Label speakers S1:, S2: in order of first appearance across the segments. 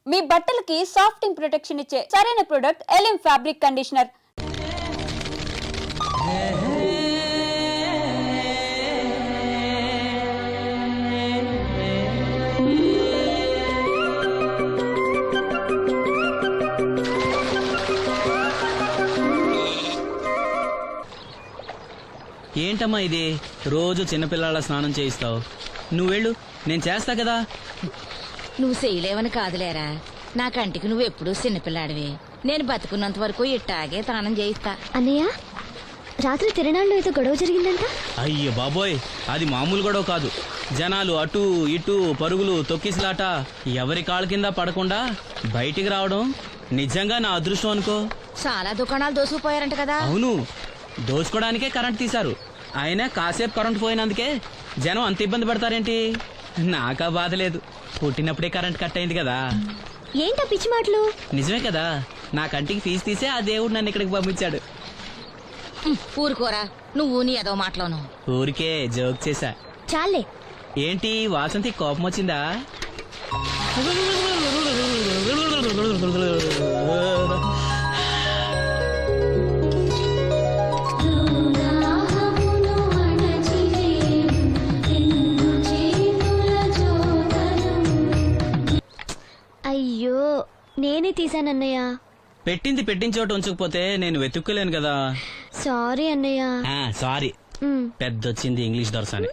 S1: మీ బట్టలకి సాఫ్టింగ్ ప్రొటెక్షన్ ఇచ్చే సరైన ప్రొడక్ట్ ఎలిమ్ ఫ్యాబ్రిక్ కండిషనర్.
S2: ఏంటమ్మా ఇది? రోజు చిన్నపిల్లల స్నానం చేయిస్తావు. నువ్వు వెళ్ళు, నేను చేస్తా కదా.
S3: నువ్వు చేయలేవని కాదులేరా, నా కంటికి నువ్వు ఎప్పుడూ చిన్నపిల్లాడివి. నేను బతుకున్నంత వరకు ఇట్టాగే స్నానం చేయిస్తా.
S4: అన్నయ్య, రాత్రి తిరణాల్లో ఏదో గొడవ జరిగిందంట.
S2: అయ్యో బాబోయ్, అది మామూలు గొడవ కాదు. జనాలు అటు ఇటు పరుగులు, తొక్కిసలాట. ఎవరి కాళ్ళ కింద పడకుండా బయటికి రావడం నిజంగా నా అదృష్టం అనుకో.
S3: చాలా దుకాణాలు దోసుకుపోయారంట కదా.
S2: అవును, దోచుకోవడానికే కరెంట్ తీశారు. అయినా కాసేపు కరెంట్ పోయినందుకే జనం అంత ఇబ్బంది పడతారేంటి? నాకా బాధ లేదు, పుట్టినప్పుడే కరెంట్ కట్ అయింది కదా.
S4: ఏంటా పిచ్చి మాటలు?
S2: నిజమే కదా, నా కంటికి ఫీజు తీసే ఆ దేవుడు నన్ను ఇక్కడికి పంపించాడు.
S3: ఊరుకోరా, నువ్వు నీ ఏదో మాటలోను.
S2: ఊరికే జోక్ చేశా.
S4: చాలే.
S2: ఏంటి వాసంతి కోపం వచ్చిందా?
S4: అయ్యో, నేనే తీసానన్నయ్య.
S2: పెట్టింది పెట్టిన చోట ఉంచకపోతే నేను వెతుక్కోలేను కదా.
S4: సారీ అన్నయ్య.
S2: సారీ. పెద్దొచ్చింది ఇంగ్లీష్ దొరసాని.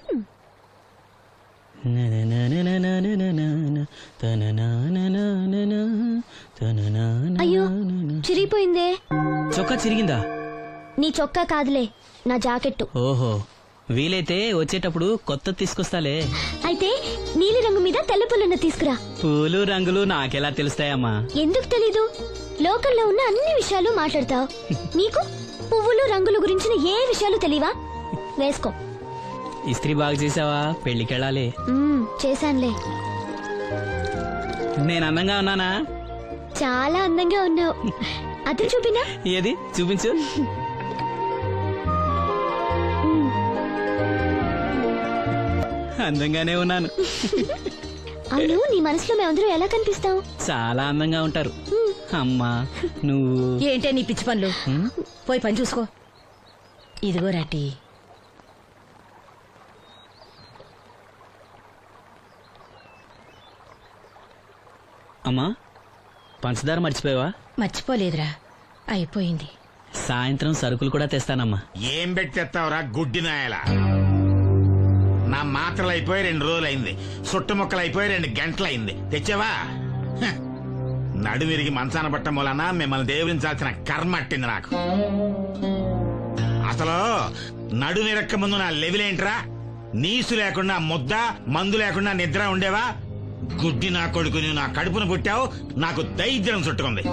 S4: అయ్యో, చిరిగిపోయిందే.
S2: చొక్కా చిరిగిందా?
S4: నీ చొక్కా కాదులే, నా జాకెట్టు.
S2: ఓహో, వీలైతే వచ్చేటప్పుడు కొత్త తీసుకొస్తాలే.
S4: అయితే నీలి రంగు మీద తెల్ల పుల్లన్న తీసుకురా.
S2: పూలు రంగులు నాకెలా తెలుస్తాయమ్మా?
S4: ఎందుకు తెలీదు? లోకల్లో ఉన్న అన్ని విషయాలు మాట్లాడతావు. నీకు పువ్వులు రంగుల గురించిన ఏ విషయాలు తెలియవా? వేసుకో.
S2: ఇస్త్రీ బాగా చేసావా? పెళ్లికెళ్ళాలి.
S4: చేశానులే.
S2: నేను అందంగా ఉన్నానా?
S4: చాలా అందంగా ఉన్నావు. అది చూపినా?
S2: ఏది చూపించు. అందంగానే ఉన్నాను.
S4: అవును, నీ మనసులో మేమందరూ ఎలా కనిపిస్తావు?
S2: చాలా అందంగా ఉంటారు. అమ్మా నువ్వు
S3: ఏంటే నీ పిచ్చి పనులు? పోయి పని చూసుకో. ఇదిగో రాటి.
S2: అమ్మా, పంచదార మర్చిపోయావా?
S3: మర్చిపోలేదురా, అయిపోయింది.
S2: సాయంత్రం సరుకులు కూడా తెస్తానమ్మా.
S5: ఏం పెట్టి తెస్తావురా గుడ్డి నాయలా? నా మాత్రలు అయిపోయి 2 రోజులైంది, సుట్టుముక్కలు అయిపోయి 2 గంటలైంది. తెచ్చావా? నడుమిరిగి మంచాన పట్టం వలన మిమ్మల్ని దేవుడించాల్సిన కర్మ అట్టింది నాకు. అసలు నడుమిరక్క ముందు నా లెవెలేంట్రా? నీసు లేకుండా ముద్ద, మందు లేకుండా నిద్ర ఉండేవా? గుడ్డి నా కొడుకు, నువ్వు నా కడుపును పుట్టావు, నాకు దైద్యం చుట్టుకుంది.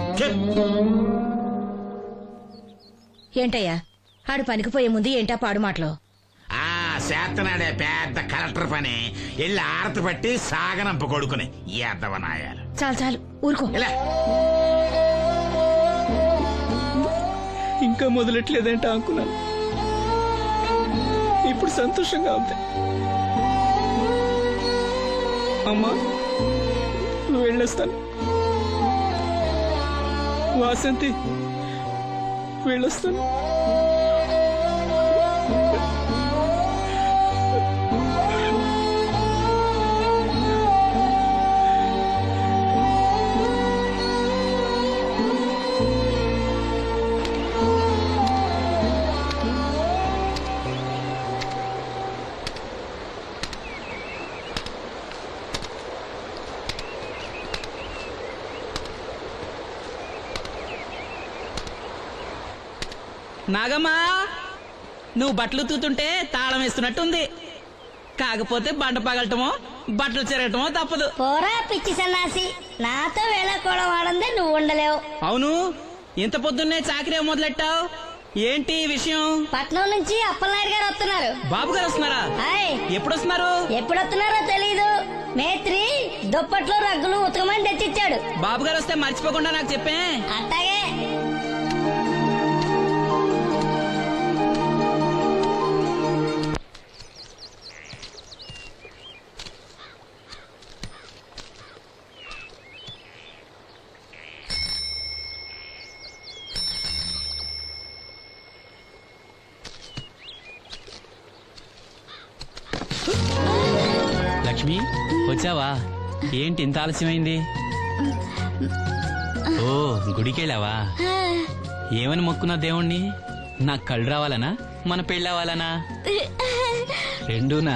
S3: ఏంటయ్యా ఆడు పనికిపోయే ముందు ఏంటా పాడు మాటలు?
S5: చేతనాడే పెద్ద కలెక్టర్ పని. వెళ్ళి ఆరతి పట్టి సాగనంప కొడుకుని ఎద్దవనాయాలు.
S3: చాలు చాలు, ఊరుకో.
S2: ఇంకా మొదలెట్లేదంటే అనుకున్నాను. ఇప్పుడు సంతోషంగా ఉంది. అమ్మా, నువ్వు వెళ్ళొస్తాను. వాసంతి, వెళ్ళొస్తాను. నాగమ్మా, నువ్వు బట్టలు తూతుంటే తాళం వేస్తున్నట్టుంది. కాకపోతే బండ పగలటమో బట్టలు చెరగటమో తప్పదు.
S6: పోరా పిచ్చి సన్నాసి, నాతో వేళకోవడం వాడందే నువ్వు ఉండలేవు.
S2: అవును, ఇంత పొద్దున్నే చాకరీ మొదలెట్టావు. ఏంటి విషయం?
S6: పట్నం నుంచి అప్పలనాయుడు గారు వస్తున్నారు.
S2: బాబు గారు వస్తున్నారా? ఎప్పుడు వస్తున్నారు?
S6: ఎప్పుడు వస్తున్నారో తెలీదు. మేత్రి దుప్పట్లు రగ్గులు ఉతకమని తెచ్చిచ్చాడు.
S2: బాబు గారు వస్తే మర్చిపోకుండా నాకు చెప్పే.
S6: అట్టాగే.
S2: వచ్చావా? ఏంటి ఇంత ఆలస్యమైంది? ఓ, గుడికెళ్ళావా? ఏమని మొక్కున్నా దేవుణ్ణి? నాకు కళ్ళు రావాలనా, మన పెళ్ళవాలనా? రెండూనా?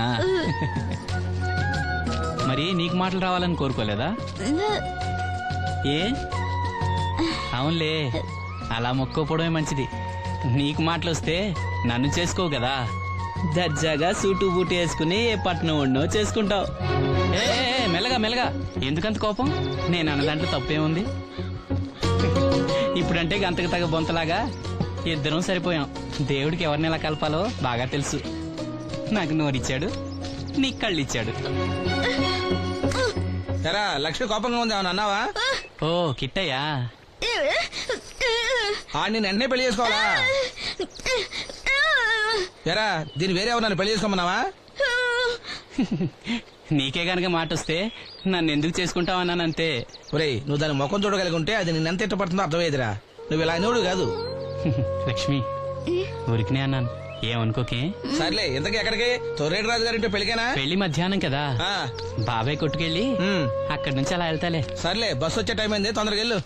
S2: మరి నీకు మాటలు రావాలని కోరుకోలేదా? ఏ? అవునులే, అలా మొక్కోపోవడమే మంచిది. నీకు మాటలు వస్తే నన్ను చేసుకోవు కదా, దర్జాగా సూటు బూటు వేసుకుని ఏ పట్నం ఉండో చేసుకుంటావు. ఏ మెల్లగా మెల్లగా, ఎందుకంత కోపం? నేను అన్న దాంట్లో తప్పేముంది? ఇప్పుడంటే గంతకు తగ్గ బొంతలాగా ఇద్దరం సరిపోయాం. దేవుడికి ఎవరిని ఎలా కలపాలో బాగా తెలుసు. నాకు నోరిచ్చాడు, నీకు కళ్ళు ఇచ్చాడు.
S7: ఎరా లక్ష్మి కోపంగా ఉంది ఏమన్నా అన్నావా?
S2: ఓ కిట్టయ్యా,
S7: ఆడిని వెంటనే పెళ్లి చేసుకోవాలా? ఎరా దీన్ని వేరే ఎవరు పెళ్లి చేసుకోమన్నావా?
S2: నీకే గనక మాట వస్తే నన్ను ఎందుకు చేసుకుంటావన్నానంతే.
S7: ఒరేయ్, నువ్వు దాని ముఖం చూడగలిగి ఉంటే అది నిన్నెంత ఇష్టపడుతుందో అర్థమయ్యేదిరా. నువ్వు ఇలా నోడు కాదు.
S2: లక్ష్మి, ఊరికినే అన్నాను, ఏమనుకోకే.
S7: సర్లే, ఇంతకీ ఎక్కడికి? తొర్రేడు రాజు గారింటే పెళ్లికేనా?
S2: పెళ్లి మధ్యాహ్నం కదా,
S7: ఆ,
S2: బాబాయ్ కొట్టుకెళ్ళి అక్కడి నుంచి అలా వెళ్తాలే.
S7: సర్లే, బస్సు వచ్చే టైం అయింది, తొందరగా వెళ్ళు.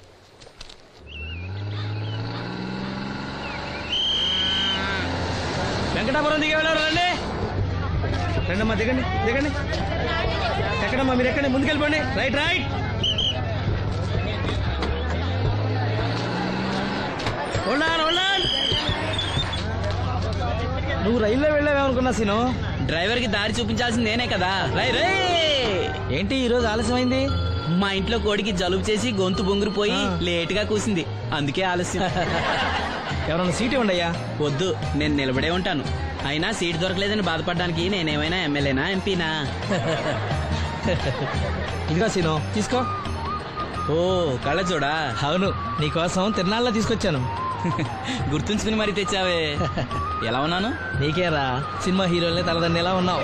S8: వెంకటాపురం దిగే వెళ్ళారు. రండి రండమ్మా, దిగండి దిగండి. ఎక్కడమ్మా మీరు? ఎక్కండి, ముందుకెళ్ళిపోండి. Right right. ఉండాలి ఉండాలి. నువ్వు రైల్లో వెళ్ళావేమనుకున్నా సీను.
S2: డ్రైవర్ కి దారి చూపించాల్సింది నేనే కదా. రై రే.
S8: ఏంటి ఈ రోజు ఆలస్యమైంది?
S2: మా ఇంట్లో కోడికి జలుబు చేసి గొంతు బొంగురుపోయి లేట్ గా కూసింది, అందుకే ఆలస్యం.
S8: ఎవరన్నా సీట్ ఇవ్వండి అయ్యా.
S2: వద్దు, నేను నిలబడే ఉంటాను. అయినా సీట్ దొరకలేదని బాధపడడానికి నేనేమైనా ఎమ్మెల్యేనా, ఎంపీనా?
S8: ఇదిగా సీను, తీసుకో.
S2: ఓ కళ్ళ చూడా.
S8: అవును, నీకోసం తిరునాళ్ళ తీసుకొచ్చాను.
S2: గుర్తుంచుకుని మరి తెచ్చావే. ఎలా ఉన్నాను?
S8: నీకేరా, సినిమా హీరోలనే తలదన్ని ఎలా ఉన్నావు?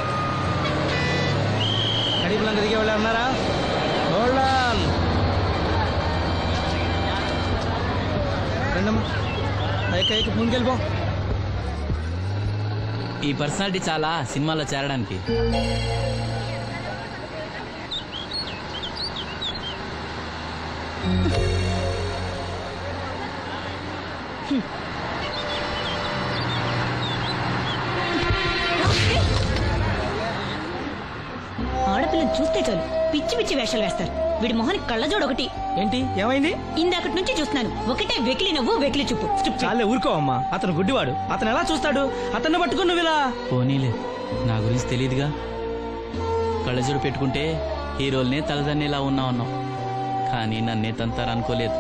S8: కడిపులంక దిగే వాళ్ళు ఉన్నారా? రండమ్మా, ఎక్క ముందుకెళ్ళిపో.
S2: ఈ పర్సనాలిటీ చాలా సినిమాలో చేరడానికి.
S9: ఆడపిల్లని చూస్తే చాలు పిచ్చి పిచ్చి వేషాలు వేస్తారు. వీడి మొహానికి కళ్ళజోడు ఒకటి.
S8: ఏంటి ఏమైంది?
S9: ఇందాకటి నుంచి చూస్తున్నాను, ఒకటే వెకిలి నవ్వు వెకిలి చూపు.
S8: చాలే ఊరుకో అమ్మా, అతను గుడ్డివాడు. అతను ఎలా చూస్తాడు? అతన్ని పట్టుకుని నువ్వు ఇలా.
S2: పోనీలే, నా గురించి తెలియదుగా. కళ్ళజోడు పెట్టుకుంటే హీరోల్నే తలదన్నేలా ఉన్నావు, కానీ నన్నే తంతారనుకోలేదు.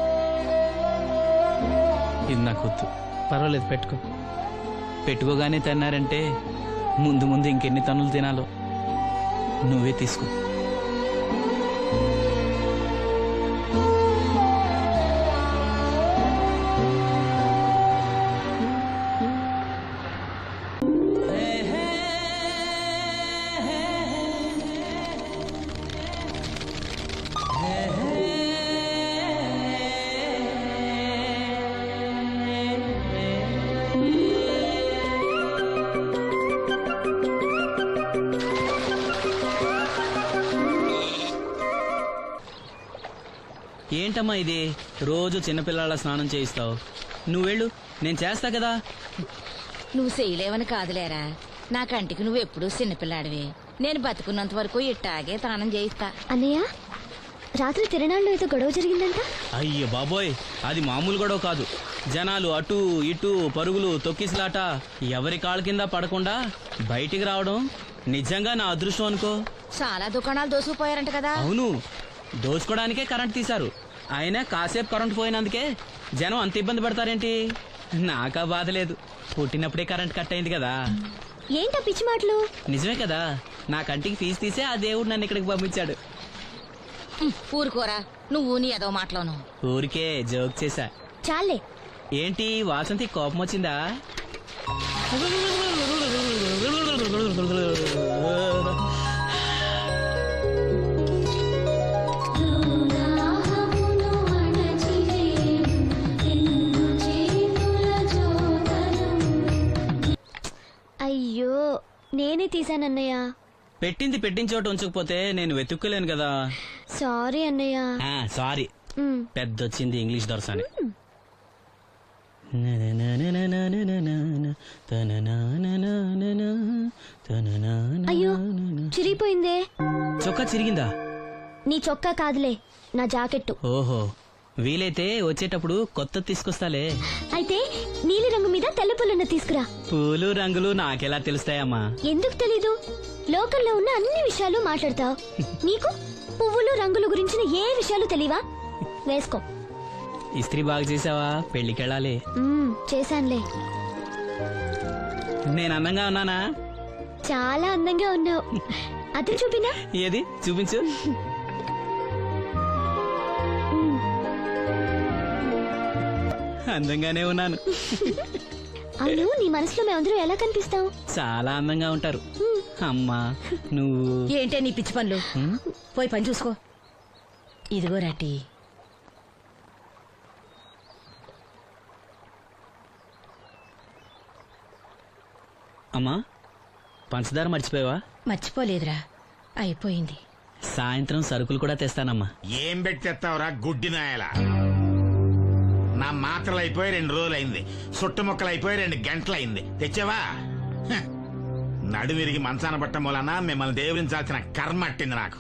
S2: ఇది నాకు వద్దు.
S8: పర్వాలేదు, పెట్టుకో.
S2: పెట్టుకోగానే తిన్నారంటే ముందు ముందు ఇంకెన్ని తన్నులు తినాలో నువ్వే తీసుకో. ఏంటమ్మా ఇది, రోజు చిన్నపిల్లల స్నానం చేయిస్తావు? నువ్వెళ్ళు, నేను చేస్తా కదా.
S3: నువ్వు చేయలేవని కాదులేరా, నా కంటికి నువ్వు ఎప్పుడూ చిన్నపిల్లాడివి. నేను బతుకున్నంత వరకు ఇట్టాగే తానం చేయిస్తా.
S4: అన్నయ్య, రాత్రి తిరణాల్లో ఏదో గొడవ జరిగిందంట.
S2: అయ్యో బాబోయ్, అది మామూలు గొడవ కాదు. జనాలు అటు ఇటు పరుగులు తొక్కిసలాట, ఎవరి కాళ్ళ కింద పడకుండా బయటికి రావడం నిజంగా నా అదృష్టం అనుకో.
S3: చాలా దుకాణాలు దోసుకుపోయారంట కదా.
S2: అవును, దోచుకోవడానికే కరెంట్ తీశారు. అయినా కాసేపు కరెంట్ పోయినందుకే జనం అంత ఇబ్బంది పడతారేంటి? నాకా బాధ లేదు, పుట్టినప్పుడే కరెంట్ కట్ అయింది కదా.
S4: ఏంటా పిచ్చి మాటలు?
S2: నిజమే కదా, నా కంటికి ఫీజు తీసే ఆ దేవుడు నన్ను ఇక్కడికి పంపించాడు.
S3: ఊరుకోరా, నువ్వు నీ ఏదో మాటలోను.
S2: ఊరికే జోక్ చేశా.
S4: చాలే.
S2: ఏంటి వాసంతి కోపం వచ్చిందా?
S4: అయ్యో, నేనే తీసానన్నయ్య.
S2: పెట్టింది పెట్టిన చోట ఉంచకపోతే నేను వెతుక్కోలేను కదా.
S4: సారీ అన్నయ్య.
S2: సారీ,
S4: మ్,
S2: పెద్దొచ్చింది ఇంగ్లీష్ దొరసాని.
S4: అయ్యో చిరిగిపోయిందే.
S2: చొక్కా చిరిగిందా?
S4: నీ చొక్కా కాదులే, నా జాకెట్టు.
S2: ఓహో, వీలైతే వచ్చేటప్పుడు కొత్త తీసుకొస్తాలే.
S4: అయితే నీలి రంగు మీద తెల్ల పుల్లన్న తీసుకురా.
S2: పూలు రంగులు నాకెలా తెలుస్తాయమ్మా?
S4: ఎందుకు తెలీదు? లోకల్లో ఉన్న అన్ని విషయాలు మాట్లాడతావు. నీకు పువ్వులు రంగులు గురించిన ఏ విషయాలు తెలియవా? వేసుకో.
S2: ఇస్త్రీ బాగా చేసావా? పెళ్లికెళ్ళాలి.
S4: చేశానులే.
S2: నేను అందంగా ఉన్నానా?
S4: చాలా అందంగా ఉన్నావు. అది చూపినా?
S2: ఏది చూపించు. అందంగానే ఉన్నాను.
S4: అవును, నీ మనసులో మేమందరూ ఎలా కనిపిస్తావు?
S2: చాలా అందంగా ఉంటారు. అమ్మా నువ్వు
S3: ఏంటే నీ పిచ్చి పనులు? పోయి పని చూసుకో. ఇదిగో రాటి.
S2: అమ్మా, పంచదార మర్చిపోయావా?
S3: మర్చిపోలేదురా, అయిపోయింది.
S2: సాయంత్రం సరుకులు కూడా తెస్తానమ్మా.
S5: ఏం పెట్టి తెస్తావురా గుడ్డి నాయలా? నా మాత్రలు అయిపోయి 2 రోజులు అయింది, సుట్టు ముక్కలు అయిపోయి 2 గంటలు అయింది. తెచ్చావా? హ. నడుమిరిగి మంచాన పట్టం మూలన మిమ్మల్ని దేవురించాల్సిన కర్మ అట్టింది నాకు.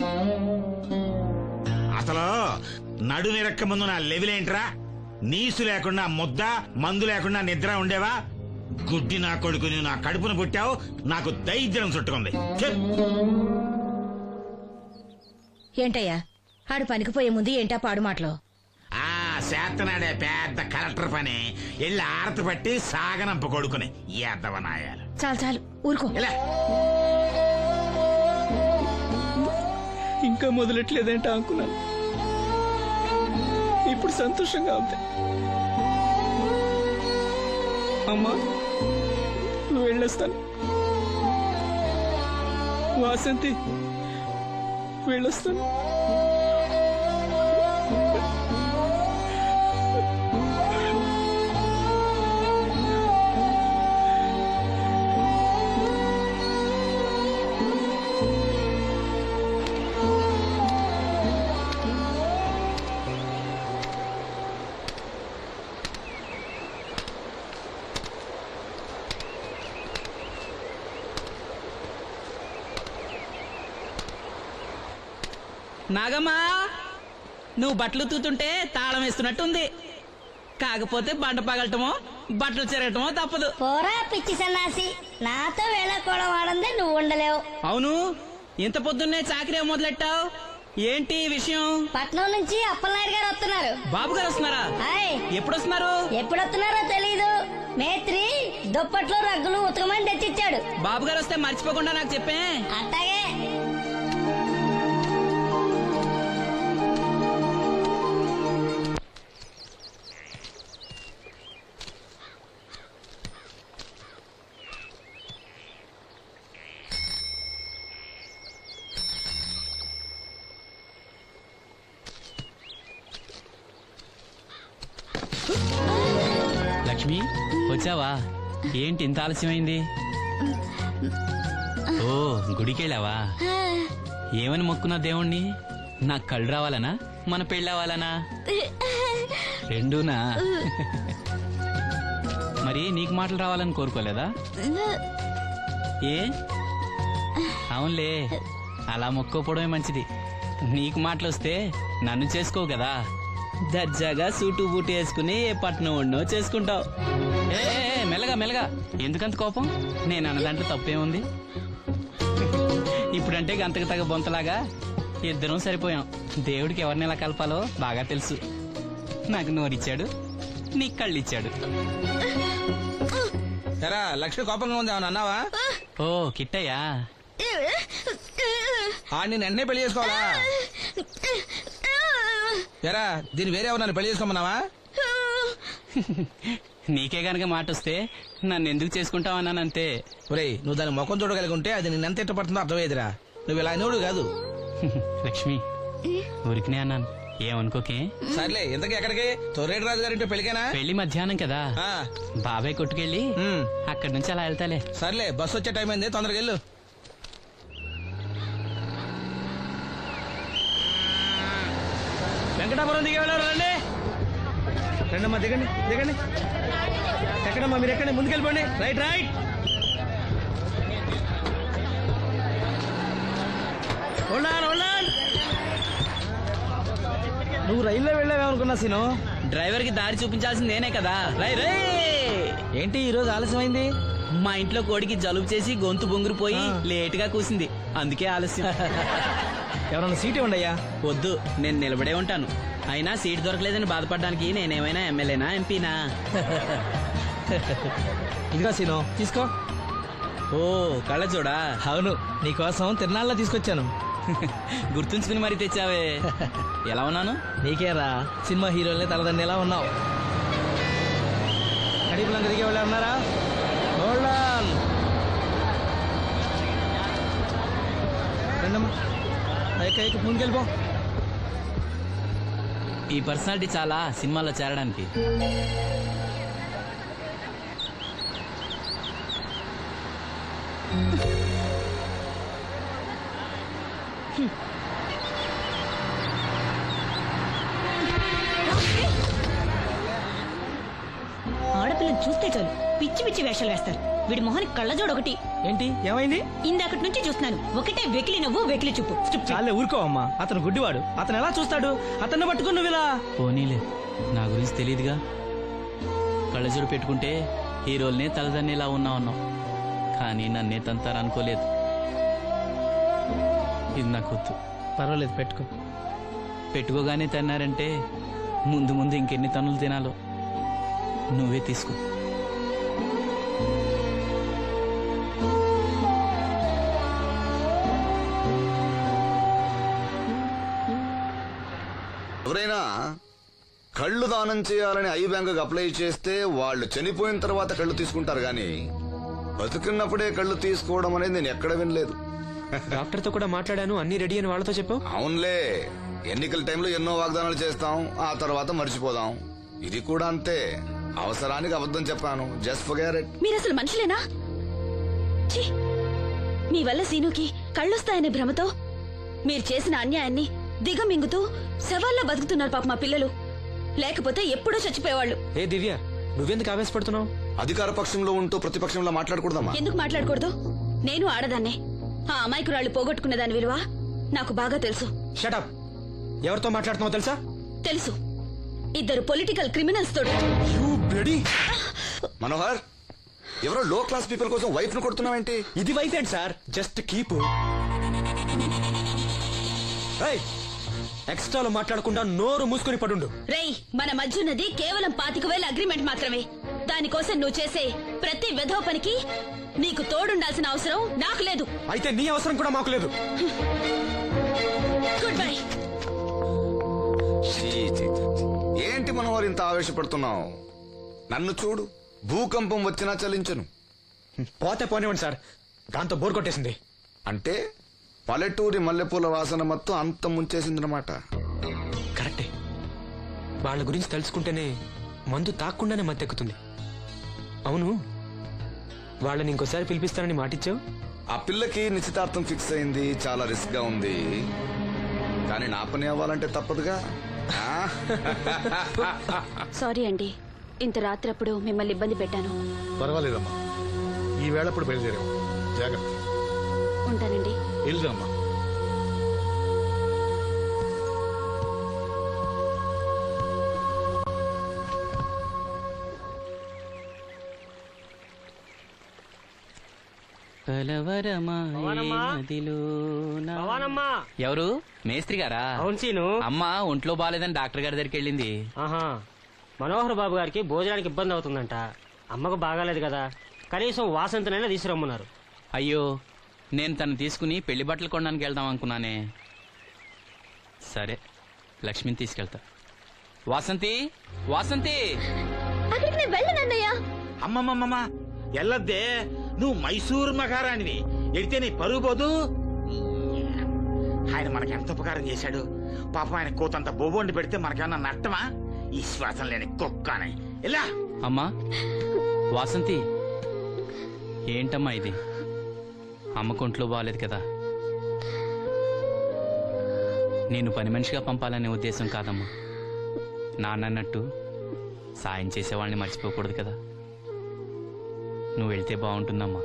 S5: అసలు నడుమిరక్క ముందు నా లెవిలేంట్రా? నీసు లేకుండా ముద్ద, మందు లేకుండా నిద్ర ఉండేవా? గుడ్డి నా కొడుకుని నా కడుపును పుట్టావు, నాకు దైద్యం చుట్టుకుంది.
S3: ఏంటయ్యా ఆడు పనికిపోయే ముందు ఏంటా పాడు మాటలు?
S5: ఆ శాతనాడే పెద్ద కలెక్టర్ పని ఎల్లి ఆరతి పట్టి సాగనంప కొడుకుని ఎద్దవనాయాలు.
S3: చాలు చాలు ఊరుకో.
S5: ఇలా
S2: ఇంకా మొదలెట్లేదేంటా అనుకున్నాను. ఇప్పుడు సంతోషంగా ఉంది. అమ్మా నువ్వు వెళ్ళొస్తాను. వాసంతి వెళ్ళొస్తాను. నాగమ్మా, నువ్వు బట్టలు తూతుంటే తాళం వేస్తున్నట్టుంది. కాకపోతే బండ పగలటమో బట్టలు చెరగటమో తప్పదు.
S6: పోరా పిచ్చి సన్నాసి, నాతో వేళకోవడం వాడందే నువ్వు ఉండలేవు.
S2: అవును, ఇంత పొద్దున్నే చాకరీ మొదలెట్టావు. ఏంటి విషయం?
S6: పట్నం నుంచి అప్పలనాయుడు గారు వస్తున్నారు.
S2: బాబు గారు వస్తున్నారా?
S6: హాయ్.
S2: ఎప్పుడు వస్తున్నారు?
S6: ఎప్పుడొస్తున్నారో తెలీదు. మేత్రి దుప్పట్లు రగ్గులు ఉతకమని తెచ్చిచ్చాడు.
S2: బాబు గారు వస్తే మర్చిపోకుండా నాకు చెప్పే.
S6: అట్టాగే.
S2: లక్ష్మి వచ్చావా? ఏంటి ఇంత ఆలస్యమైంది? ఓ గుడికెళ్ళావా? ఏమని మొక్కున్నా దేవుణ్ణి? నాకు కళ్ళు రావాలనా, మన పెళ్ళవాలనా? రెండూనా? మరి నీకు మాటలు రావాలని కోరుకోలేదా? ఏ అవునులే, అలా మొక్కోపోవడమే మంచిది. నీకు మాటలు వస్తే నన్ను చేసుకోవు కదా. దర్జాగా సూటు బూటు వేసుకుని ఏ పట్నం ఉండో చేసుకుంటావు. ఏ మెల్లగా మెల్లగా, ఎందుకంత కోపం? నేను అన్నదాంట్లో తప్పేముంది? ఇప్పుడంటే గంతకు తగ్గ బొంతలాగా ఇద్దరం సరిపోయాం. దేవుడికి ఎవరిని ఎలా కలపాలో బాగా తెలుసు. నాకు నోరిచ్చాడు, నీకు కళ్ళు ఇచ్చాడు.
S7: ఎరా లక్ష్మి కోపంగా ఉంది, ఏమన్నా అన్నావా?
S2: ఓ కిట్టయ్యా,
S7: ఆడిని వెంటనే పెళ్లి చేసుకోవాలా? ఎరా దీన్ని వేరే ఎవరన్నా పెళ్లి చేసుకోమన్నావా?
S2: నీకే గనక మాట వస్తే నన్ను ఎందుకు చేసుకుంటావన్నానంతే.
S7: ఒరేయ్, నువ్వు దాని ముఖం చూడగలిగి ఉంటే అది నిన్నెంత ఇష్టపడుతుందో అర్థమయ్యేదిరా. నువ్వు ఇలా అయినోడు కాదు.
S2: లక్ష్మి ఊరికినే అన్నాను, ఏమనుకోకే.
S7: సర్లే, ఇంతకీ ఎక్కడికి? తొర్రేటి రాజు గారింటే పెళ్లికేనా?
S2: పెళ్లి మధ్యాహ్నం కదా,
S7: ఆ,
S2: బాబాయ్ కొట్టుకెళ్ళి అక్కడి నుంచి అలా వెళ్తాలే.
S7: సర్లే, బస్సు వచ్చే టైం అయింది, తొందరగా వెళ్ళు.
S8: వెంకటాపురం దిగే వెళ్ళారు రండి. రండమ్మా దిగండి దిగండి. ఎక్కడమ్మా మీరు ఎక్కండి, ముందుకెళ్ళిపోండి. Right right. ఉండాలి ఉండాలి. నువ్వు రైల్లో వెళ్ళావేమనుకున్నా సీను.
S2: డ్రైవర్ కి దారి చూపించాల్సింది నేనే కదా. రై రై.
S8: ఏంటి ఈరోజు ఆలస్యమైంది?
S2: మా ఇంట్లో కోడికి జలుబు చేసి గొంతు బొంగురుపోయి లేట్ గా కూసింది, అందుకే ఆలస్యం.
S8: ఎవరన్నా సీట్ ఇవ్వండి అయ్యా.
S2: వద్దు, నేను నిలబడే ఉంటాను. అయినా సీట్ దొరకలేదని బాధపడడానికి నేనేమైనా ఎమ్మెల్యేనా ఎంపీనా?
S8: ఇదిగో సీను తీసుకో.
S2: ఓ కళ్ళ చూడా.
S8: అవును, నీకోసం తిరునాళ్ళ తీసుకొచ్చాను.
S2: గుర్తుంచుకుని మరి తెచ్చావే. ఎలా ఉన్నాను?
S8: నీకేరా సినిమా హీరోలనే తలదండి ఎలా ఉన్నావు. కడిపులంక దిగే వాళ్ళు ఉన్నారా? రండమ్మా ముందుకెళ్ళిపో.
S2: ఈ పర్సనాలిటీ చాలా సినిమాల్లో చేరడానికి.
S9: ఆడపిల్లని చూస్తే చాలు పిచ్చి పిచ్చి వేషాలు వేస్తారు. వీడి మొహానికి కళ్ళజోడు ఒకటి.
S8: ఏంటి ఏమైంది?
S9: ఇందాకటి నుంచి చూస్తున్నాను, ఒకటే వెకిలి నవ్వు వెకిలి చూపు.
S8: చాలే ఊరుకోవమ్మా, అతను గుడ్డివాడు. అతను ఎలా చూస్తాడు? అతన్ని పట్టుకుని నువ్వు ఇలా.
S2: పోనీలే, నా గురించి తెలియదుగా. కళ్ళజోడు పెట్టుకుంటే హీరోల్నే తలదన్నేలా ఉన్నావు, కానీ నన్నే తంతారనుకోలేదు. ఇది నాకు వద్దు.
S8: పర్వాలేదు పెట్టుకో.
S2: పెట్టుకోగానే తన్నారంటే ముందు ముందు ఇంకెన్ని తన్నులు తినాలో నువ్వే తీసుకో.
S10: ఎవరైనా కళ్ళు దానం చేయాలని ఐ బ్యాంకుకి అప్లై చేస్తే వాళ్ళు చనిపోయిన తర్వాత కళ్ళు తీసుకుంటారు గాని బతుకున్నప్పుడే కళ్ళు తీసుకోవడం అనేది నేను ఎక్కడ వినలేదు.
S8: డాక్టర్ తో కూడా మాట్లాడాను, అన్ని రెడీ అని వాళ్ళతో చెప్పావు.
S10: అవునులే, ఎన్నికల టైంలో ఎన్నో వాగ్దానాలు చేస్తాం, ఆ తర్వాత మర్చిపోదాం. ఇది కూడా అంతే, అవసరానికి అబద్ధం చెప్పాను. Just forget it.
S4: మీరు అసలు మనుషులేనా? ఛీ! మీ వల్ల సీనుకి కళ్ళొస్తాయనే భ్రమతో మీరు చేసిన అన్యాయాన్ని దిగమింగుతూ శవాల్లో బతుకుతున్నారు పాప మా పిల్లలు. లేకపోతే ఎప్పుడూ చచ్చిపోయేవాళ్ళు.
S8: ఏ దివ్య, నువ్వెందుకు ఆవేశపడుతున్నావు?
S10: అధికార పక్షంలో ఉంటూ ప్రతిపక్షంలో మాట్లాడకూడదమ్మా.
S4: ఎందుకు మాట్లాడకూడదు? నేను ఆడదాన్నే. ఆ అమాయకురాళ్ళు పోగొట్టుకునే దాని విలువ నాకు బాగా తెలుసు.
S8: షటప్. ఎవరితో మాట్లాడుతున్నావు తెలుసా?
S4: తెలుసు. ఇద్దరు పొలిటికల్ క్రిమినల్స్ తోడు.
S10: మనోహర్, ఎవరో లో క్లాస్ పీపుల్ కోసం వైఫ్ ను కొడుతున్నావేంటి?
S8: ఇది వైఫ్ ఏంటి సార్? Just keep. ఎక్స్ట్రాలో మాట్లాడకుండా నోరు మూసుకొని పడుండు.
S4: రేయ్, మన మధ్య ఉన్నది కేవలం 25,000 అగ్రిమెంట్ మాత్రమే. దానికోసం నువ్వు చేసే ప్రతి వెధవ పనికి నీకు తోడుండాల్సిన అవసరం నాకు లేదు.
S8: అయితే నీ అవసరం కూడా మాకు లేదు.
S4: Goodbye.
S10: ఏంటి మనోహర్ ఇంత ఆవేశపడుతున్నావు? నన్ను చూడు, భూకంపం వచ్చినా చలించను.
S8: పోతే పోనివ్వండి సార్, దాంతో బోర్ కొట్టేసింది.
S10: అంటే పల్లెటూరి మల్లెపూల వాసన మొత్తం అంత ముంచేసిందనమాట.
S8: కరెక్టే. వాళ్ళ గురించి తెలుసుకుంటేనే మందు తాక్కుండానే మత్తెక్కుతుంది. అవును, వాళ్ళని ఇంకోసారి పిలిపిస్తానని మాటిచ్చావు.
S10: ఆ పిల్లకి నిశ్చితార్థం ఫిక్స్ అయింది. చాలా రిస్క్ గా ఉంది, కానీ నా పని అవ్వాలంటే తప్పదుగా.
S4: సారీ అండి, ఇంత రాత్రప్పుడు మిమ్మల్ని ఇబ్బంది పెట్టాను.
S11: పర్వాలేదమ్మా, ఈ వేళప్పుడు బయలుదేరాము. జాగ్రత్త.
S4: ఉంటానండి.
S11: వెళ్దామా.
S2: ఎవరు? మేస్త్రి గారా?
S8: అవును సీను.
S2: అమ్మ ఒంట్లో బాగాలేదని డాక్టర్ గారి దగ్గరికి వెళ్ళింది.
S8: ఆహా, మనోహర్ బాబు గారికి భోజనానికి ఇబ్బంది అవుతుందంట. అమ్మకు బాగాలేదు కదా, కనీసం వాసంతనైనా తీసుకురమ్మన్నారు.
S2: అయ్యో, నేను తను తీసుకుని పెళ్లి బట్టలు కొనడానికి వెళ్దాం అనుకున్నానే. సరే, లక్ష్మిని తీసుకెళ్తా. వాసంతి, వాసంతి.
S4: అక్కడికి నేను వెళ్ళనన్నయ్య.
S5: అమ్మమ్మమ్మ ఎల్లద్దే, నువ్వు మైసూరు మహారాణివి. ఎడితే నీ పరుగు పోదు. ఆయన మనకి ఎంత ఉపకారం చేశాడు పాపం. ఆయన కోతంత బొబ్బొండి పెడితే మనకేమన్నా నట్టమా? ఈ శ్వాసం లేని కుక్కని. ఇలా
S2: అమ్మా వాసంతి, ఏంటమ్మా ఇది? అమ్మకుంట్లో బాగాలేదు కదా. నేను పని మనిషిగా పంపాలనే ఉద్దేశం కాదమ్మా. నాన్నన్నట్టు సాయం చేసేవాళ్ళని మర్చిపోకూడదు కదా. నువ్వు వెళ్తే బాగుంటుందమ్మా.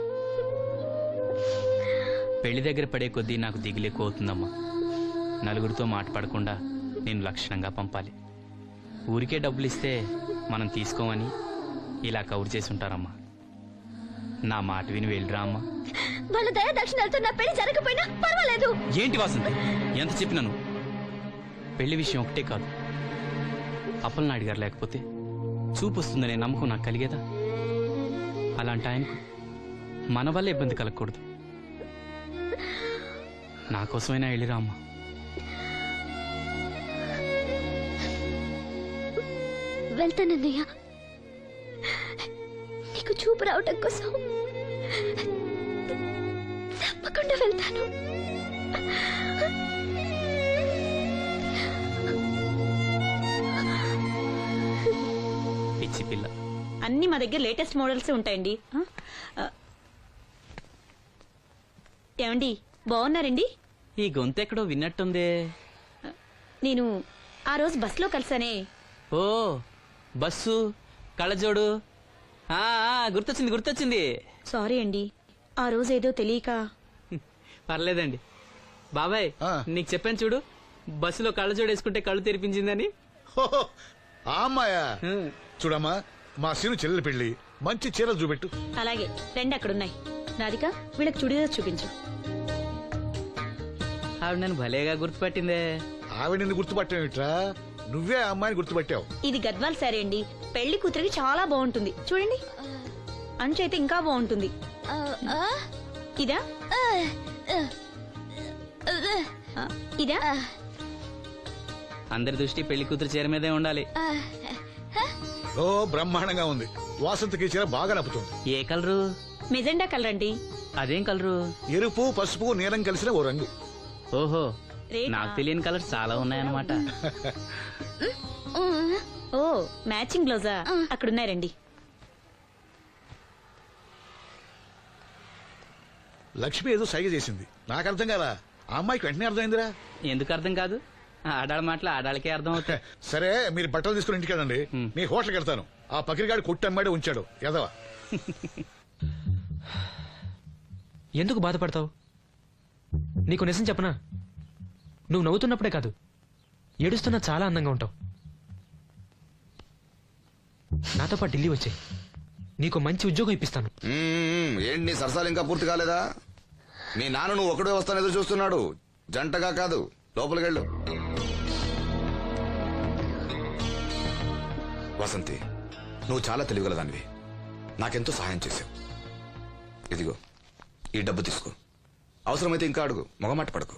S2: పెళ్లి దగ్గర పడే కొద్దీ నాకు దిగులు అవుతుందమ్మా. నలుగురితో మాట పడకుండా నేను లక్షణంగా పంపాలి. ఊరికే డబ్బులు ఇస్తే మనం తీసుకోమని ఇలా కవర్ చేసి ఉంటారమ్మా. నా మాట విని వెళ్ళిరా అమ్మా.
S4: వాళ్ళ దయ దక్షిణాలతో నా పెళ్లి జరగకపోయినా పర్వాలేదు.
S2: ఏంటి వాసంతి, ఎంత చెప్పినాను? పెళ్లి విషయం ఒకటే కాదు, అప్పలనాయుడు గారు లేకపోతే చూపు వస్తుందనే నమ్మకం నాకు కలిగేదా? అలాంటి ఆయనకు మన వల్ల ఇబ్బంది కలగకూడదు. నా కోసమైనా వెళ్ళిరా అమ్మా.
S4: వెళ్తానన్నయ్య, నీకు చూపు రావటం కోసం తప్పకుండా వెళ్తాను.
S2: పిచ్చి పిల్ల.
S9: అన్ని మా దగ్గర లేటెస్ట్ మోడల్స్ ఉంటాయండి. ఏమండి బాగున్నారండి?
S2: ఈ గొంతు ఎక్కడో విన్నట్టుందే.
S9: నేను ఆ రోజు బస్సులో కలిసానే.
S2: ఓ బస్సు, కళ్ళజోడు. గుర్తొచ్చింది గుర్తొచ్చింది.
S9: సారీ అండి, ఆ రోజు ఏదో తెలియక.
S2: పర్లేదండి బాబాయ్, నీకు చెప్పాను చూడు, బస్సులో కళ్ళజోడు వేసుకుంటే కళ్ళు తెరిపించిందని.
S11: హోహో, ఆ అమ్మాయా? చూడమ్మా, మా సీను చెల్లెలు పెళ్లి, మంచి చీరలు చూపెట్టు.
S9: అలాగే రెండు అక్కడున్నాయి. రాధిక, వీళ్ళకి చుడిదార్ చూపించు.
S2: ఆవిడ నన్ను భలేగా గుర్తుపట్టిందే.
S11: ఆవిడ నిన్ను గుర్తుపట్టావిట్రా? నువ్వే ఆ అమ్మాయిని గుర్తుపట్టావు.
S9: ఇది గద్వాల్ సారీ అండి, పెళ్లి కూతురికి చాలా బాగుంటుంది. చూడండి, అంచు అయితే ఇంకా బాగుంటుంది. ఇదా ఇదా?
S2: అందరి దృష్టి పెళ్లి కూతురు చీర మీదే ఉండాలి.
S11: ఓ బ్రహ్మాండంగా ఉంది. వాసంతకి చీర బాగా నప్పుతుంది.
S2: ఏ కలరు?
S9: మెజెండా కలర్ అండి.
S2: అదేం కలరు?
S11: ఎరుపు, పసుపు, నీలం కలిసిన ఓ రంగు.
S2: ఓహో,
S9: రేటా?
S2: నాకు తెలియని కలర్స్ చాలా ఉన్నాయన్నమాట.
S9: ఓ మ్యాచింగ్ బ్లౌజా? అక్కడున్నారండి.
S11: లక్ష్మి ఏదో సైగ చేసింది, నాకు అర్థం కాదా? ఆ అమ్మాయికి వెంటనే అర్థమైందిరా.
S2: ఎందుకు అర్థం కాదు? ఆడాళ్ళ మాటలు ఆడాళ్ళకే అర్థం అవుతాయి.
S11: సరే, మీరు బట్టలు తీసుకుని ఇంటికి వెళ్ళండి. నీ హోటల్కి వెళ్తాను. ఆ పకిరిగాడు కొట్టి అమ్మాడే ఉంచాడు ఎదవా.
S8: ఎందుకు బాధపడతావు? నీకు నిజం చెప్పనా, నువ్వు నవ్వుతున్నప్పుడే కాదు, ఏడుస్తున్నా చాలా అందంగా ఉంటావు. నాతో పాటు ఢిల్లీ వచ్చాయి, నీకు మంచి ఉద్యోగం ఇప్పిస్తాను.
S10: ఏంటి నీ సరసాలు ఇంకా పూర్తి కాలేదా? మీ నాన్న నువ్వు ఒకడే వస్తాను ఎదురు చూస్తున్నాడు, జంటగా కాదు. లోపలికి వెళ్ళు. వసంతి, నువ్వు చాలా తెలివిగలదానివి, నాకెంతో సహాయం చేశావు. ఇదిగో ఈ డబ్బు తీసుకో, అవసరమైతే ఇంకా అడుగు, మొగమాట పడకు.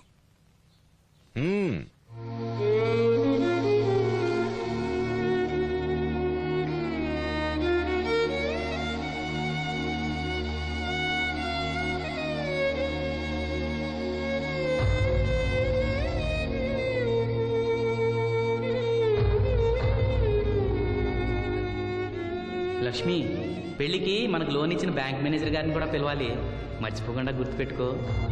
S2: లక్ష్మి, పెళ్లికి మనకు లోన్ ఇచ్చిన బ్యాంక్ మేనేజర్ గారిని కూడా పిలవాలి, మర్చిపోకుండా గుర్తుపెట్టుకో.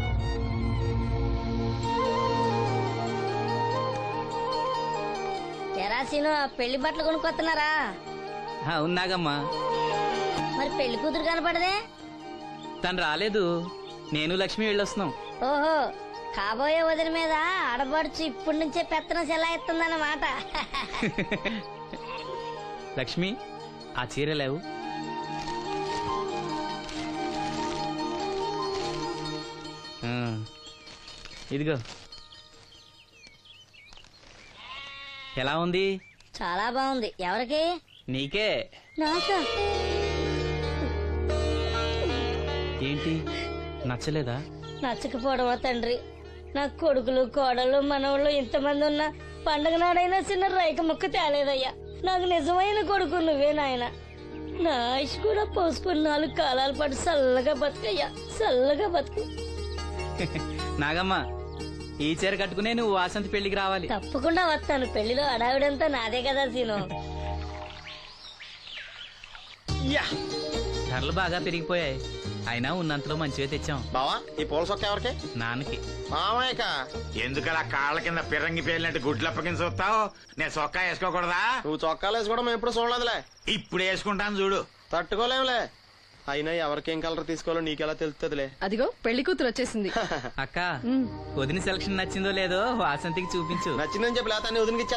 S6: తెరాసీను పెళ్లి బట్టలు కొనుక్కొస్తున్నారా?
S2: ఉన్నాగమ్మా.
S6: మరి పెళ్లి కూతురు కనపడదే?
S2: తను రాలేదు, నేను లక్ష్మి వెళ్ళొస్తున్నాం.
S6: ఓహో, కాబోయే వదిన మీద ఆడబడుచు ఇప్పటి నుంచే పెత్తనం చెలాయిస్తుందన్నమాట.
S2: లక్ష్మి, ఆ చీర లేవు. ఇదిగో. ఎలా ఉంది?
S6: చాలా బాగుంది. ఎవరికి?
S2: నీకే.
S6: నాకా?
S2: ఏంటి, నచ్చలేదా?
S6: నచ్చకపోవడమా తండ్రి? నా కొడుకులు, కోడలు, మనవాళ్ళు ఇంతమంది ఉన్నా పండగ నాడైనా చిన్న రైక ముక్క తేలేదయ్యా. నాకు నిజమైన కొడుకు నువ్వే నాయన. నా ఆయుష్ కూడా పోసుకుని 4 కాలాల పాటు చల్లగా బతుకయ్యా, చల్లగా బతుకు.
S2: నాగమ్మ, ఈ చీర కట్టుకునే నువ్వు వాసంతి పెళ్లికి రావాలి.
S6: తప్పకుండా వస్తాను. పెళ్లిలో అడావిడంతా నాదే కదా సీను.
S2: ధరలు బాగా పెరిగిపోయాయి, అయినా ఉన్నంతలో మంచివే తెచ్చాం.
S8: బావా ఈ పూల సొక్క ఎవరికి?
S2: నాన్నకి.
S8: మామయ్యక.
S5: ఎందుకలా కాళ్ళ కింద పిరంగి పేలినట్టు గుడ్లప్పకింద చూస్తావు? నేను సొక్కా వేసుకోకూడదా?
S8: నువ్వు చొక్కాలు వేసుకోవడం మేము ఎప్పుడు చూడలేదులే.
S5: ఇప్పుడు వేసుకుంటాను చూడు.
S8: తట్టుకోలేములే. అయినా ఎవరికేం కలర్ తీసుకోవాలో నీకెలా తెలుస్తుందిలే.
S9: అదిగో పెళ్లి కూతురు వచ్చేసింది.
S2: అక్క వదిన సెలక్షన్ నచ్చిందో లేదో వాసంతికి చూపించు.
S8: నచ్చిందని చెప్పి లేత వదిలికి